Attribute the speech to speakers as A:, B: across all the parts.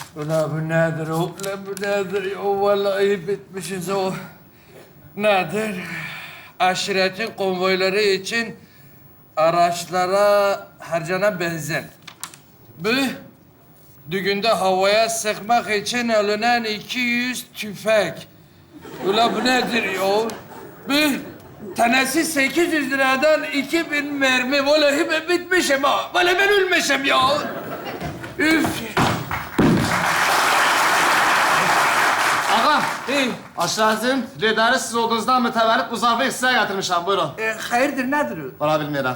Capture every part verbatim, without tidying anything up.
A: Ulan bu nedir o? Ulan bu nedir ya? Vallahi bitmişiz o. Nedir? Aşiretin konvoyları için araçlara harcanan benzin. Bu, düğünde havaya sıkmak için alınan iki yüz tüfek. Ulan bu nedir ya? Bu, tanesi sekiz yüz liradan iki bin mermi. Vallahi ben bitmişim ha. Vallahi ben ölmüşüm ya. Üf.
B: Ağam,
A: Hey,
B: aşiretin lideri siz olduğunuzdan mütevellit bu zarfı size getirmişim. Buyurun.
A: e, hayırdır nedir o?
B: Valla bilmiyorum.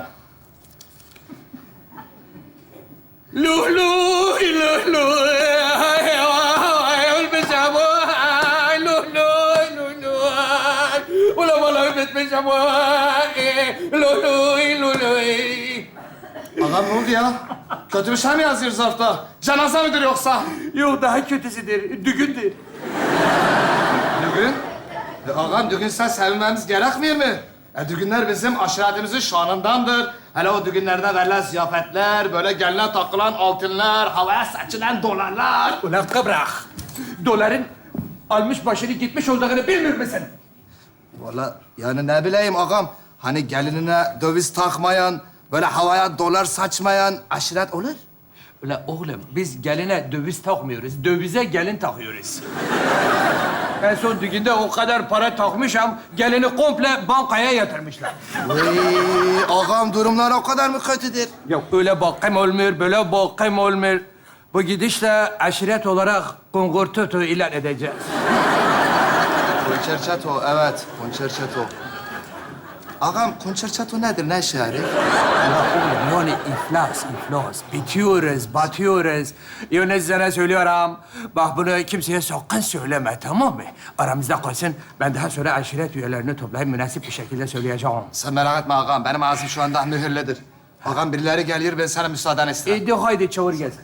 A: Luh luh luh luh. Ay, ay, ölmüşüm. Ay, luh luh luh luh. Ulan vallahi bitmişim. Ay, luh luh luh luh.
B: Ağam ne oldu ya? Kötü bir şey mi yazıyor zarfta? Cenaze midir yoksa?
A: Yok daha kötüsüdür. Düğündür.
B: Düğün? E, ağam düğün sen sevinmemiz gerekmiyor mu? E, düğünler bizim aşiretimizin şanındandır. Hele o düğünlerde verilen ziyafetler, böyle geline takılan altınlar, havaya saçılan dolarlar.
A: Ulan kıbrak. Doların almış başını gitmiş olduğunu bilmiyor musun?
B: Valla yani ne bileyim ağam, hani gelinine döviz takmayan, böyle havaya dolar saçmayan aşiret olur.
A: Ulan oğlum biz geline döviz takmıyoruz. Dövize gelin takıyoruz. En son düğünde o kadar para takmışım, gelini komple bankaya yatırmışlar.
B: Vay, ağam durumlar o kadar mı kötüdür?
A: Yok öyle bakım olmuyor, böyle bakım olmuyor. Bu gidişle aşiret olarak kongortoto ilan edeceğiz.
B: Konçerçato, evet. Konçerçato. Ağam, konçerçato nedir? Ne işe yarıyor?
A: Ya oğlum yani iflas, iflas. Bitiyoruz, batıyoruz. Yani sana söylüyorum. Bak bunu kimseye sakın söyleme, tamam mı? Aramızda kalsın. Ben daha sonra aşiret üyelerini toplayıp münasip bir şekilde söyleyeceğim.
B: Sen merak etme ağam, benim ağzım şu anda mühürlüdür. Ağam birileri geliyor, ben sana müsaaden isterim.
A: E de haydi çağır gelsin.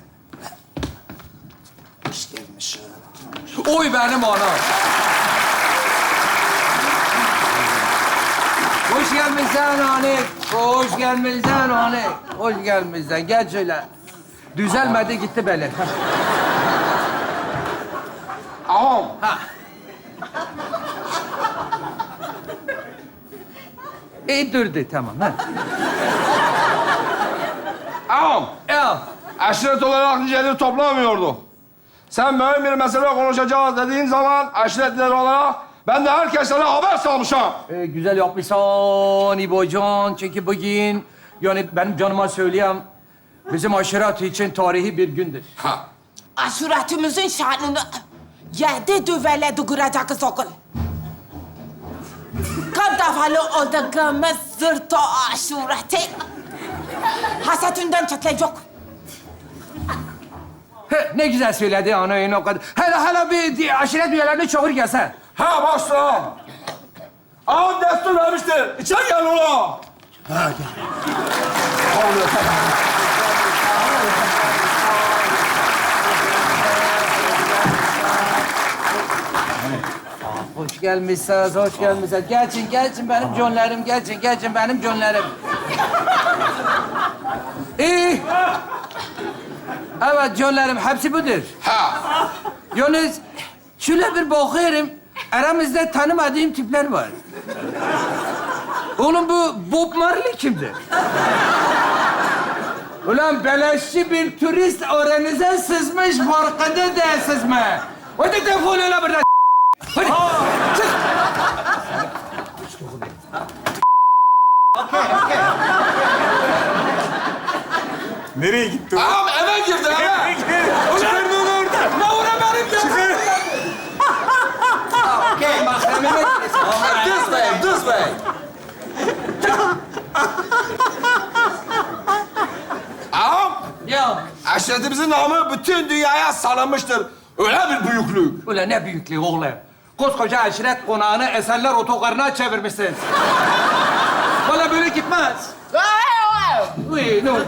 B: Hoş gelmiş.
A: Oy benim anam. Hoş gelmişsin Hanik. Hoş gelmişsin Hanik. Hoş gelmişsin. Gel şöyle. Düzelmedi gitti böyle.
B: Ağam,
A: Ha. İyi durdu tamam ha.
C: Ağam,
A: Ya
C: aşiret olarak niceliği toplamıyordu. Sen mühim bir mesele konuşacağız dediğin zaman aşiretliler olarak ben de herkese haber salmışım.
A: e, güzel yapmışsın İbocan. Çünkü bugün yani benim canıma söyleyeyim bizim aşiret için tarihi bir gündür.
C: Ha.
D: Aşuretimizin şanını yedi düveledi kuracağız okul. Kaç defalı olduğumuz zırto aşureti hasetinden çatlayacak.
A: He, ne güzel söyledi ana o kadar. Hele hele bir di- aşiret üyelerini çağır gelsen.
C: Ha başla. Ağam destur vermiştir. İçeri gel ulan.
A: Hoş gelmişsiniz, hoş gelmişsiniz. Geçin, geçin benim canlarım, geçin, geçin benim canlarım. İyi. Evet canlarım, hepsi budur.
C: Ha.
A: Yalnız şöyle bir bakıyorum, aramızda tanımadığım tipler var. Oğlum bu Bob Marley kimdir? Ulan beleşçi bir turist aranıza sızmış, farkında değilsiniz mi? Hadi defol öyle buradan. Hadi, çık.
C: Nereye gitti? Ağam eve girdi eve. Çıkarın onu oradan.
A: Ne uğra benim ya?
C: Çıkar.
A: Okey, mahremime
C: Düz bey, düz bey. Ağam,
A: Ya,
C: aşiretimizin namı bütün dünyaya salınmıştır. Öyle bir büyüklük.
A: ulan ne büyüklüğü oğlum. Koskoca aşiret konağını eserler otogarına çevirmişsiniz. Valla böyle gitmez. Uy, ne oldu?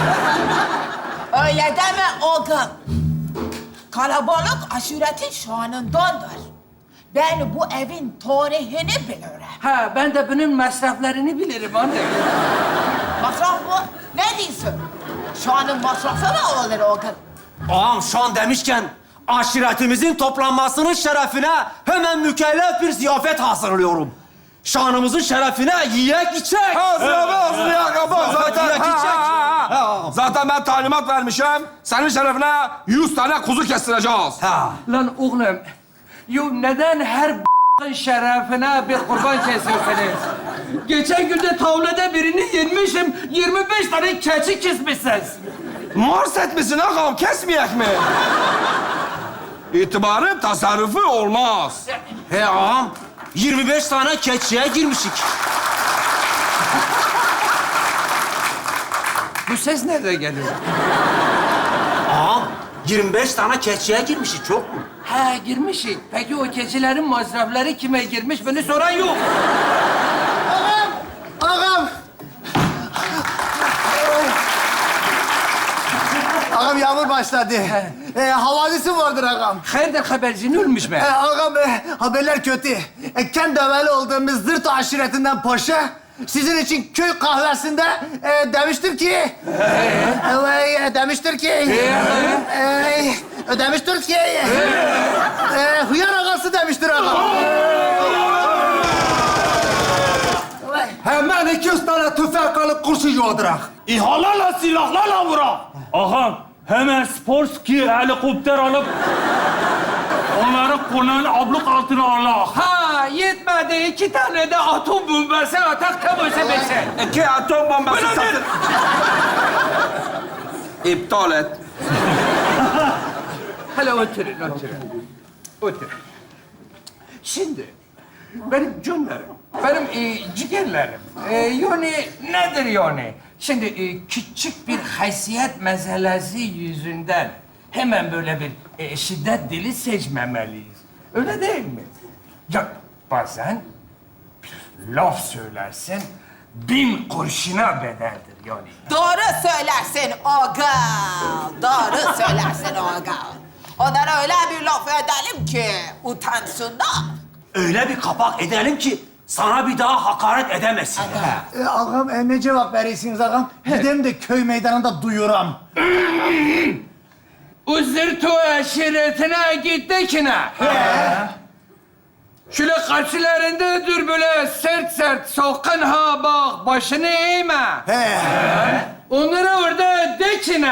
D: Öyle deme oğlum. Kalabalık aşuretin şanındandır. Ben bu evin tarihini bilirim.
A: Ha, ben de bunun masraflarını bilirim anne.
D: Masraf mı? Ne diyorsun? Şanın masrafı mı olur oğlum?
E: Ağam şu an demişken aşiretimizin toplanmasının şerefine hemen mükellef bir ziyafet hazırlıyorum. Şanımızın şerefine yiyek içek.
C: Ha, ziyafet hazırlayak yapar zaten.
E: Yiyek
C: Ha,
E: içek.
C: ha, ha. Zaten ben talimat vermişim. Senin şerefine yüz tane kuzu kestireceğiz.
E: Ha.
A: Lan oğlum, yo neden her b***ın şerefine bir kurban kesiyorsunuz? Geçen gün de tavlada birini yenmişim, yirmi beş tane keçi kesmişsiniz.
C: Mars etmişsin ağam, kesmeyek mi? İtibarın tasarrufu olmaz.
E: He ağam, yirmi beş tane keçiye girmişik.
A: Bu ses nereden geliyor?
E: Ağam, yirmi beş tane keçiye girmişik, çok mu?
A: Ha girmişik. Peki o keçilerin masrafları kime girmiş? Beni soran yok.
F: Ağam! Ağam yağmur başladı. Ee, havadisi vardır ağam.
A: Hayırdır habercin ölmüş mü?
F: Ee, ağam e, haberler kötü. E, kendi evveli olduğumuz Zırt aşiretinden paşa sizin için köy kahvesinde e, demiştir ki... Evet, e, demiştir ki... E, demiştir ki... E, hıyar ağası demiştir ağam.
G: Hemen iki yüz tane tüfek alıp kurşun yağdırak.
H: İHA'larla, silahlarla vurak. Ağam, hemen Sporski helikopter alıp onları konağın abluk altına alak.
A: Ha yetmedi. iki tane de atom bombası atak tam öse beşe.
C: İki atom bombası satın. İptal et.
A: Hele oturun, oturun. Oturun. Şimdi benim canlarım, benim e, ciğerlerim. E, yani nedir yani? Şimdi e, küçük bir haysiyet meselesi yüzünden hemen böyle bir e, şiddet dili seçmemeliyiz. Öyle değil mi? Ya bazen bir laf söylersin, bin kurşuna bedeldir yani.
D: Doğru söylersin Oga. Doğru söylersin Oga. Onlara öyle bir laf edelim ki utansınlar.
E: Öyle bir kapak edelim ki sana bir daha hakaret edemesin.
F: E, ağam e, ne cevap verirsiniz ağam? Gidem de köy meydanında duyuram.
A: Uzurtu aşiretine gittikine. Şöyle karşılarında dur böyle sert sert sakın ha bak başını eğme.
F: He.
A: Onlara orada dekine.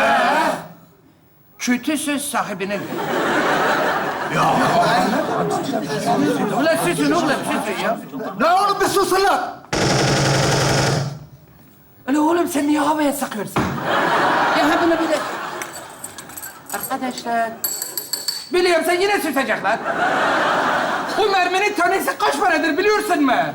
A: Kötü söz sahibine. Ya. Ulan susun oğlum susun ya.
G: La oğlum bir susun lan.
A: Ulan oğlum sen niye havaya sıkıyorsun? Ya ha bunu bir de... Arkadaşlar... Biliyorum sen yine süsecekler. Bu merminin tanesi kaç paradır biliyorsun mu?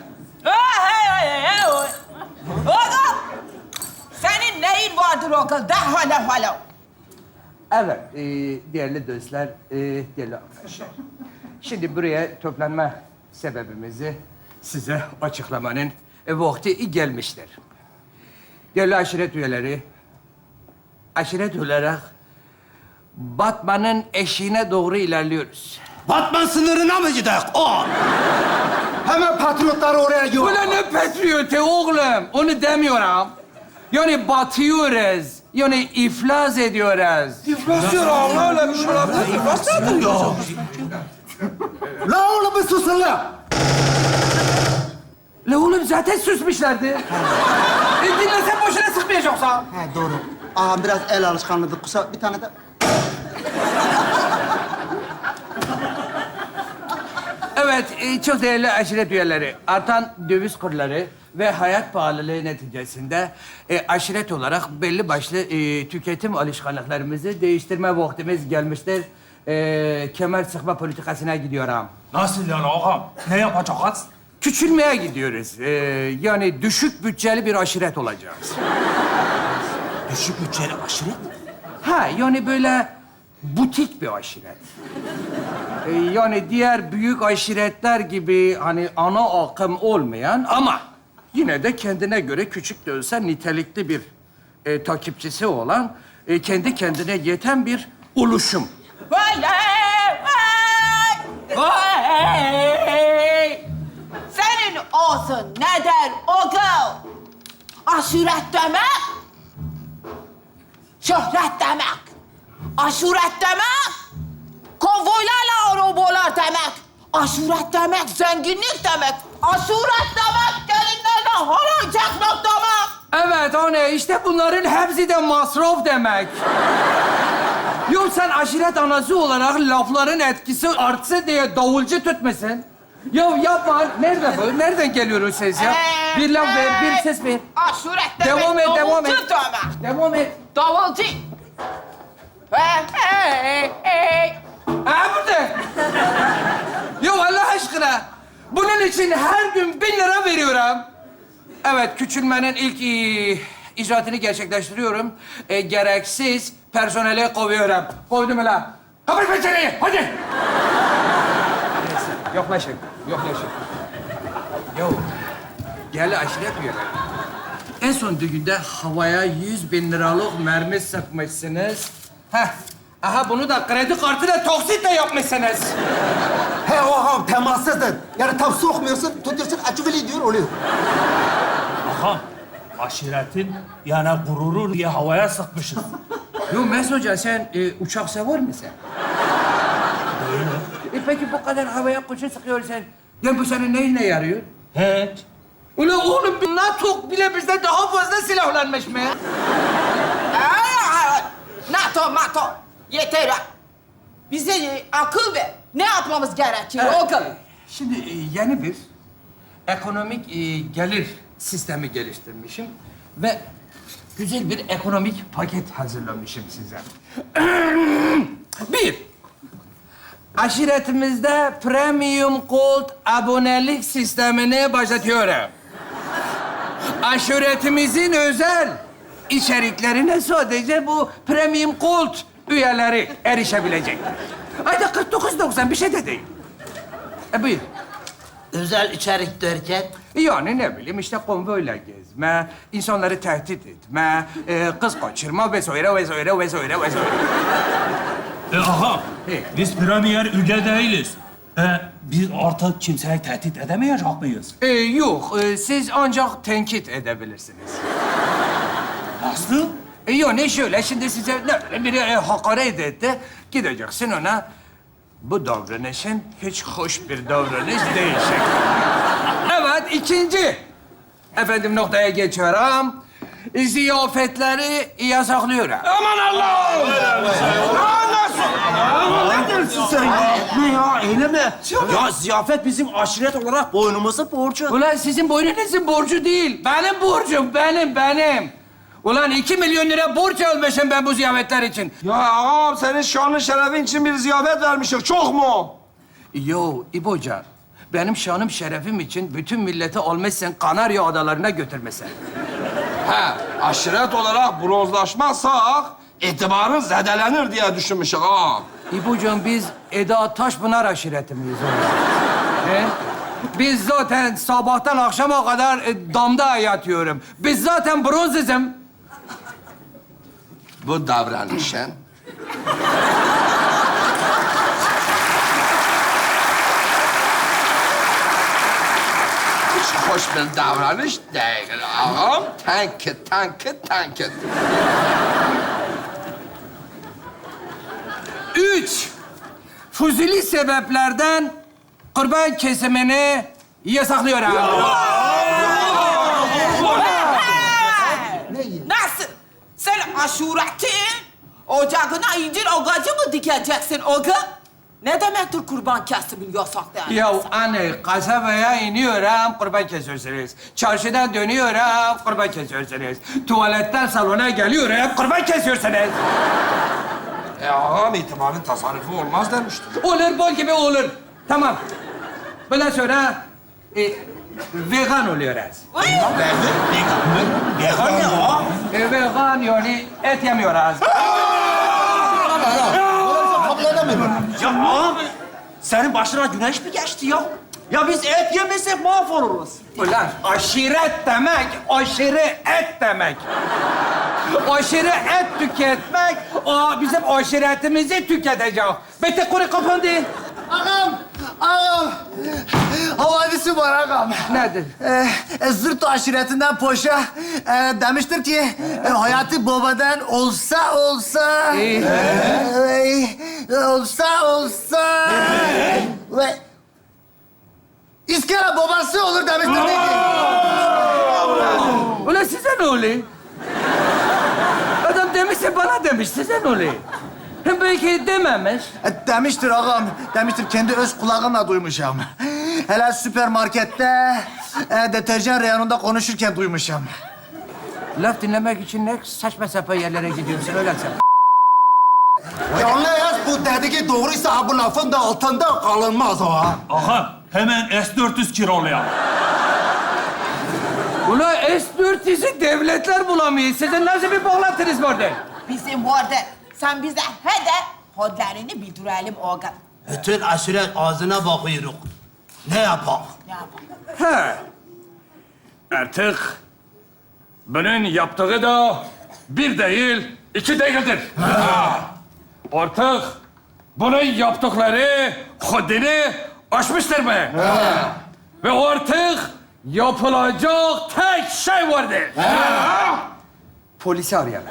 D: Oga! Senin neyin vardır Oga? De hala hala.
A: Evet, e, değerli dostlar, e, değerli arkadaşlar. Şimdi buraya toplanma sebebimizi size açıklamanın e, vakti gelmiştir. Değerli aşiret üyeleri, aşiret olarak Batman'ın eşiğine doğru ilerliyoruz.
G: Batman sınırına mı gidelim? O. Hemen patriotları oraya yolla.
A: Ulan ne patriotu oğlum? Onu demiyorum. Yani batıyoruz. Yani iflas ediyoruz.
C: İflas diyor ağam, öyle bir şey olabilir. İflas nedir ya?
G: La oğlum bir susun lan.
A: La oğlum zaten susmuşlardı. e dinlesen boşuna sıkmayacaksa.
F: He doğru. Ağam biraz el alışkanlığı kusa bir tane de...
A: Evet, e, çok değerli aşiret üyeleri. Artan döviz kurları ve hayat pahalılığı neticesinde e, aşiret olarak belli başlı e, tüketim alışkanlıklarımızı değiştirme vaktimiz gelmiştir. E, kemer sıkma politikasına gidiyorum.
H: Nasıl yani ağam? Ne yapacağız?
A: Küçülmeye gidiyoruz. E, yani düşük bütçeli bir aşiret olacağız.
E: Düşük bütçeli aşiret.
A: Ha, yani böyle butik bir aşiret. Ee, yani diğer büyük aşiretler gibi hani ana akım olmayan ama yine de kendine göre küçük de olsa nitelikli bir e, takipçisi olan, e, kendi kendine yeten bir oluşum.
D: Vay vay! Vay! Senin olsun ne der Oga? Aşiret demek, şöhret demek. Aşiret demek, lavabolar demek, aşuret demek, zenginlik demek, aşuret demek, gelinlerden halay çekmek demek.
A: Evet anne, işte bunların hepsi de masraf demek. Yok sen aşiret anası olarak lafların etkisi artsa diye davulcu tutmasın. Ya yapma. Nerede bu? Nereden geliyor o ses ya?
D: Ee,
A: Bir laf ver, bir
D: ee,
A: ses ver.
D: Aşuret demek,
A: Devam et, devam et.
D: davulcu demek.
A: Devam et.
D: Davulcu. Hey, hey, hey.
A: Ha burada. Ya Allah aşkına. Bunun için her gün bin lira veriyorum. Evet, küçülmenin ilk e, icraatını gerçekleştiriyorum. E, gereksiz personeli kovuyorum. Kovdum lan. Kapat pencereyi, hadi. Neyse, yoklaşın, yoklaşın. Yo, gel aşiret üyeleri. En son düğünde havaya yüz bin liralık mermi sıkmışsınız. Heh, aha bunu da kredi kartıyla taksitle yapmışsınız.
G: He ağam temassızdır. Yani tam sokmuyorsun, tutuyorsun, açıveli diyor oluyor.
H: Ağam, aşiretin yani gururu diye havaya sıkmışız.
A: Yo Mesut Hoca, sen e, uçak sever misin? E peki bu kadar havaya kuşu sıkıyorsun. Ya bu senin neyine yarıyor?
H: Hiç.
A: Ulan oğlum bir NATO bile bizden daha fazla silahlanmış mı?
D: Ay, ay, NATO, NATO. Yeter. Bize e, akıl ver. Ne yapmamız gerekiyor
A: Evet.
D: oğlum?
A: Şimdi e, yeni bir ekonomik e, gelir sistemi geliştirmişim ve güzel bir ekonomik paket hazırlamışım size. Bir, aşiretimizde Premium Gold abonelik sistemini başlatıyorum. Aşiretimizin özel içeriklerine sadece bu Premium Gold üyeleri erişebilecek. Ayda kırk dokuz doksan bir şey de değil. E buyur.
F: Özel içerik derken?
A: Yani ne bileyim işte konvoyla gezme, insanları tehdit etme, e, kız kaçırma vesaire vesaire vesaire vesaire.
H: E ağam,
A: He.
H: biz premier üge değiliz. E, biz artık kimseyi tehdit edemeyecek miyiz?
A: E, yok, e, siz ancak tenkit edebilirsiniz.
H: Nasıl?
A: E, yani şöyle, şimdi size ne bileyim biri e, hakaret etti, gideceksin ona. Bu davranışın hiç hoş bir davranış değil şeklinde. Evet, ikinci. Efendim noktaya geçiyorum. Ziyafetleri yasaklıyorum.
C: Aman Allah'ım!
E: Ne dersin sen ya? Ne ya? Eyleme. Ya ziyafet bizim aşiret olarak boynumuzun borcu.
A: Ulan sizin boynunuzun borcu değil. Benim borcum, benim, benim. Ulan iki milyon lira borç almışım ben bu ziyafetler için.
C: Ya ağam senin şanın şerefin için bir ziyafet vermişik. Çok mu?
A: Yo İboca, benim şanım şerefim için bütün milleti almışsın Kanarya Adalarına götürmüşsün.
C: He, aşiret olarak bronzlaşmazsak itibarın zedelenir diye düşünmüşük ağam.
A: İbocuğum biz Eda Taşpınar aşireti miyiz oğlum? He? Biz zaten sabahtan akşama kadar e, damda yatıyorum. Biz zaten bronzizm.
C: Bu davranışın hiç hoş bir davranış değil ağam. Tankit, tankit, tankit.
A: Üç, fuzuli sebeplerden kurban kesimini yasaklıyorum.
D: Nasıl? Sen aşuretin ocağına incir ağacı mı dikeceksin oğlum? Ne demektir kurban kesimi yasak yani?
A: Ya anne, kasabaya iniyorum, kurban kesiyorsunuz. Çarşıdan dönüyorum, kurban kesiyorsunuz. Tuvaletten salona geliyorum, kurban kesiyorsunuz.
C: E ağam itibarın tasarrufu olmaz demiştim.
A: Olur, bol gibi olur. Tamam. Bundan sonra e, vegan oluyoruz.
H: Vegan ne ağam?
A: E, vegan yani et yemiyoruz.
E: Ya ağam, senin başına güneş mi geçti ya? Ya biz et yemesek mahvoluruz.
A: Ulan aşiret demek, aşırı et demek. Aşırı et tüketmek, o bizim aşiretimizi tüketecek. Bitti, kuru kapandı.
F: Ağam, ağam. Havadisi var ağam.
A: Nedir?
F: Ee, e, Zırt aşiretinden Poşa e, demiştir ki e, Hayati Baba'dan olsa olsa
A: İyi.
F: e, olsa olsa Ve iskele babası olur demiştir değil ki.
A: Ulan size ne oluyor? Adam demişse bana demiş, size ne oluyor? Hem belki dememiş.
F: E, demiştir ağam, demiştir. Kendi öz kulağımla duymuşum. Hele süpermarkette e, deterjan reyonunda konuşurken duymuşum.
A: Laf dinlemek için ne saçma sapan yerlere gidiyorsun öyle sen.
G: Yalnız bu dediği doğruysa ha bu lafın da altında kalınmaz ha.
H: Ağam hemen S dört yüz kiralayalım.
A: Ulan S dört yüz'ü devletler bulamıyor. Sizin nasıl bir bağlantınız var de?
D: Bizim vardı. Sen bize he de kodlarını bildirelim oğlum.
G: Bütün aşiret ağzına bakıyoruz. Ne yapak?
D: Ne yapalım?
A: He. Artık bunun yaptığı da bir değil, iki değildir. Ha. Artık bunun yaptıkları haddini aşmıştır mı? Ve artık yapılacak tek şey vardır. Polisi arayalım.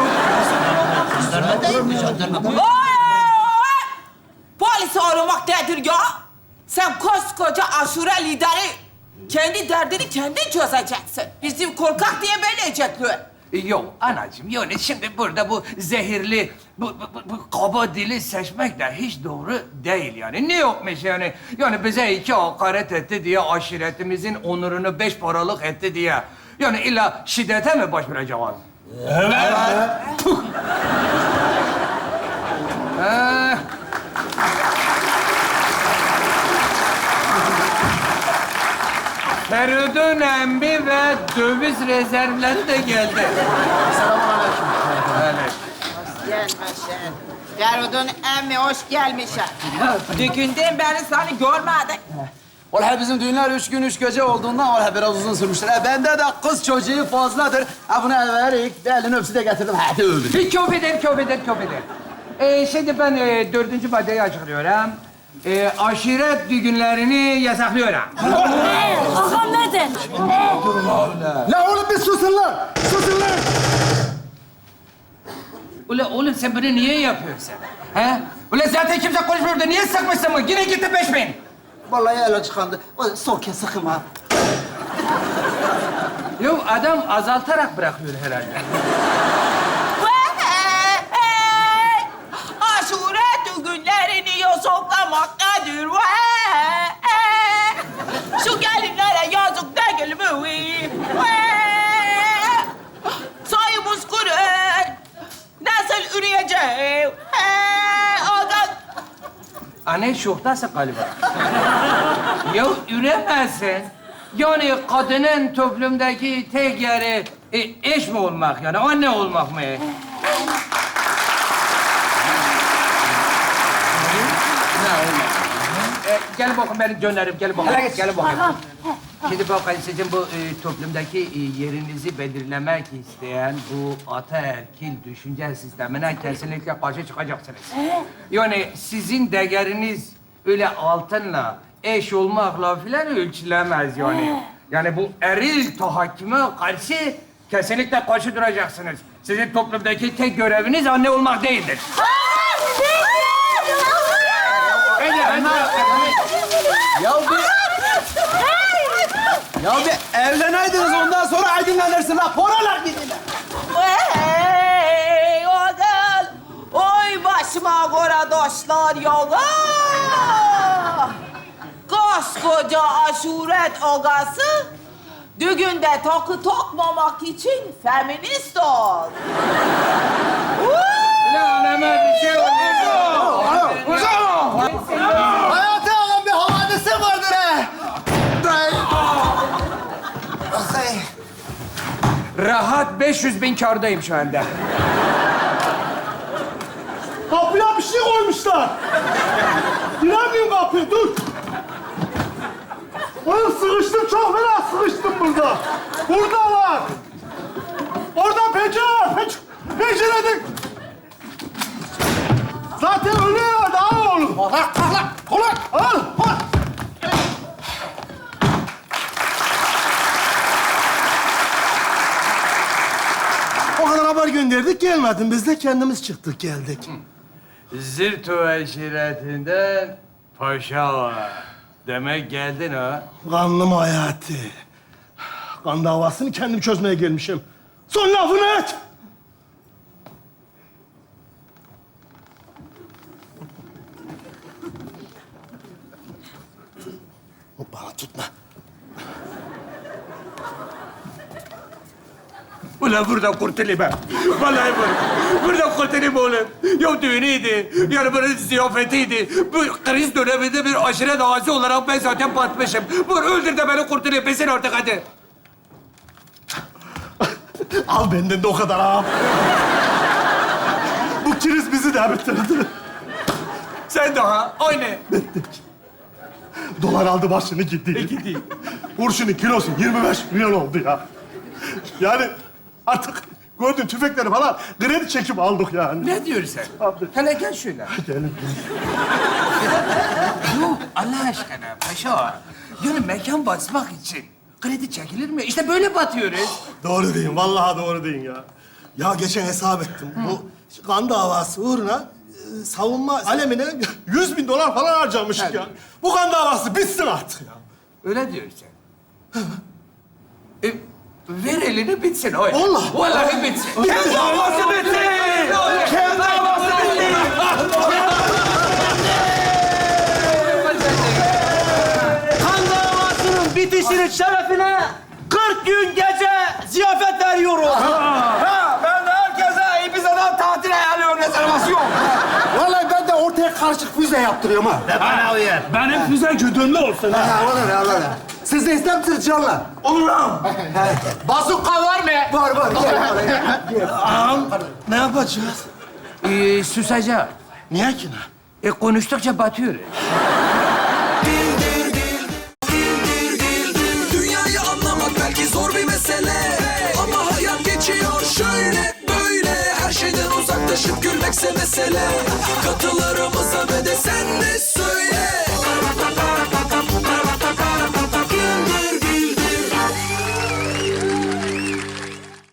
D: Oy! Polisi aramak nedir ya? Sen koskoca aşure lideri. Kendi derdini kendin çözeceksin. Bizim korkak diye belirleyecekler.
A: Yok anacığım, yani şimdi burada bu zehirli, bu, bu, bu, bu kaba dili seçmek de hiç doğru değil yani. Ne yokmuş yani? Yani bize iki hakaret etti diye, aşiretimizin onurunu beş paralık etti diye. Yani illa şiddete mi başvuracağız?
H: Evet.
A: Ee, Feridun emmi ve döviz rezervleri de geldi. Selamünaleyküm.
D: Gelmişsin. Ferud'un emmi hoş gelmişsin. Düğünden beri seni görmedik.
I: Vallahi bizim düğünler üç gün üç gece olduğundan vallahi biraz uzun sürmüştür. E, bende de kız çocuğu fazladır. Ha bunu everik, elini öpsü de getirdim. Hadi öbür.
A: Köfeder, köfeder, köfeder. Ee, şimdi ben e, dördüncü maddeyi açıklıyorum. Ee, aşiret düğünlerini yasaklıyorum.
J: Ağam nedir?
G: La oğlum bir susun lan! Susun lan!
A: Ulan oğlum sen bunu niye yapıyorsun? He? Ulan zaten kimse konuşmuyor da niye sıkmışsın mı? Yine gitti beş bin.
I: Vallahi el çıkandı. O son kez sıkım ha.
A: Yok adam azaltarak bırakıyor herhalde.
D: Vay! Aşure düğünlerini yasaklamak nedir? Vay! Şu gelinlere yazık değil mi? Vay! Sayımız kurur. Nasıl üreyeceğim? Ağam.
A: Anne şoktasın galiba. Ya üremezsin. Yani kadının toplumdaki tek yeri e, eş mi olmak yani, anne olmak mı? Ne olmak? E, gel bakın benim dönerim, gel bakın. Gel bakın. Şimdi bakın sizin bu e, toplumdaki e, yerinizi belirlemek isteyen bu ataerkil düşünce sistemine kesinlikle karşı çıkacaksınız. Yani sizin değeriniz öyle altınla, eş olmakla filan ölçülemez yani. Yani bu eril tahakküme karşı kesinlikle karşı duracaksınız. Sizin toplumdaki tek göreviniz anne olmak değildir. Hadi, hadi.
I: Ya bir... Ya bir evleneydiniz ondan sonra aydınlanırsın la. Poralar gidin.
D: Hey oğul! Oy başıma göre taşlar yolu! Koskoca aşuret ogası düğünde takı takmamak için feminist ol.
A: Ulan anama bir şey oldu.
F: Hayati ağam bir havadisi vardır he. Ay.
A: Rahat beş yüz bin kârdayım şu anda.
G: Kapıya bir şey koymuşlar. Giremiyorum kapıyı, dur. Oğlum sıkıştım, çok fena sıkıştım burada. Burada var. Orada pencere var, penc pencerede. Zaten ölüyorlardı, al oğlum. Al, al, al, al, al. O kadar haber gönderdik, gelmedin. Biz de kendimiz çıktık, geldik.
A: Zirto aşiretinden Paşa, demek geldin ha?
G: Kanlım Hayati. Kan davasını kendim çözmeye gelmişim. Son lafını et. Bana tutma.
H: Ulan burada kurtulayım ben. Vallahi burada. Burada kurtulayım oğlum. Ya düğünüydü, yani bunun ziyafetiydi. Bu kriz döneminde bir aşiret ağası olarak ben zaten batmışım. Bu öldür de beni kurtulayım. Besin artık hadi.
G: Al benden de o kadar ağam. Bu kriz bizi de bitirdi.
H: Sen daha aynı.
G: Dolar aldı başını gitti.
H: Gitti.
G: Kurşunun kilosu yirmi beş milyon oldu ya. Yani artık gördün tüfekleri falan kredi çekip aldık yani.
A: Ne diyorsun sen?
G: Abi.
A: Hele gel şöyle.
G: Gelin.
A: Yok Allah aşkına paşa. Yani mekan basmak için kredi çekilir mi? İşte böyle batıyoruz.
G: Doğru deyin, vallahi doğru deyin ya. Ya geçen hesap ettim. Bu kan davası uğruna e, savunma alemine yüz bin dolar falan harcamıştık ya. Bu kan davası bitsin artık ya.
A: Öyle diyorsun sen. e, ver elini bitsin o.
G: Vallahi.
A: Vallahi bitsin.
H: Kim davası bitti? Kim davası bitti?
E: Kan davasının bitişinin şerefine kırk gün gece ziyafet veriyoruz.
C: Ha, ben de herkese Ibiza'dan tatil ayarlıyorum, rezervasyon.
F: Vallahi ben de ortaya karışık füze yaptırıyorum ha.
G: Bana uyar.
H: Benim füze güdümlü olsun ha.
F: Ha, olur ya, olur ya. Siz de ister misiniz canlar?
H: Olur lan.
A: Bazuka var mı?
F: Var, var. Gel, gel.
G: Ağam, ne yapacağız?
A: Ee, susacağım.
G: Niye ki ne?
A: E, konuştukça batıyoruz.
K: Dünyayı anlamak belki zor bir mesele, ama hayat geçiyor şöyle böyle. Her şeyden uzaklaşıp gülmekse mesele. Katılarımıza ve de sen de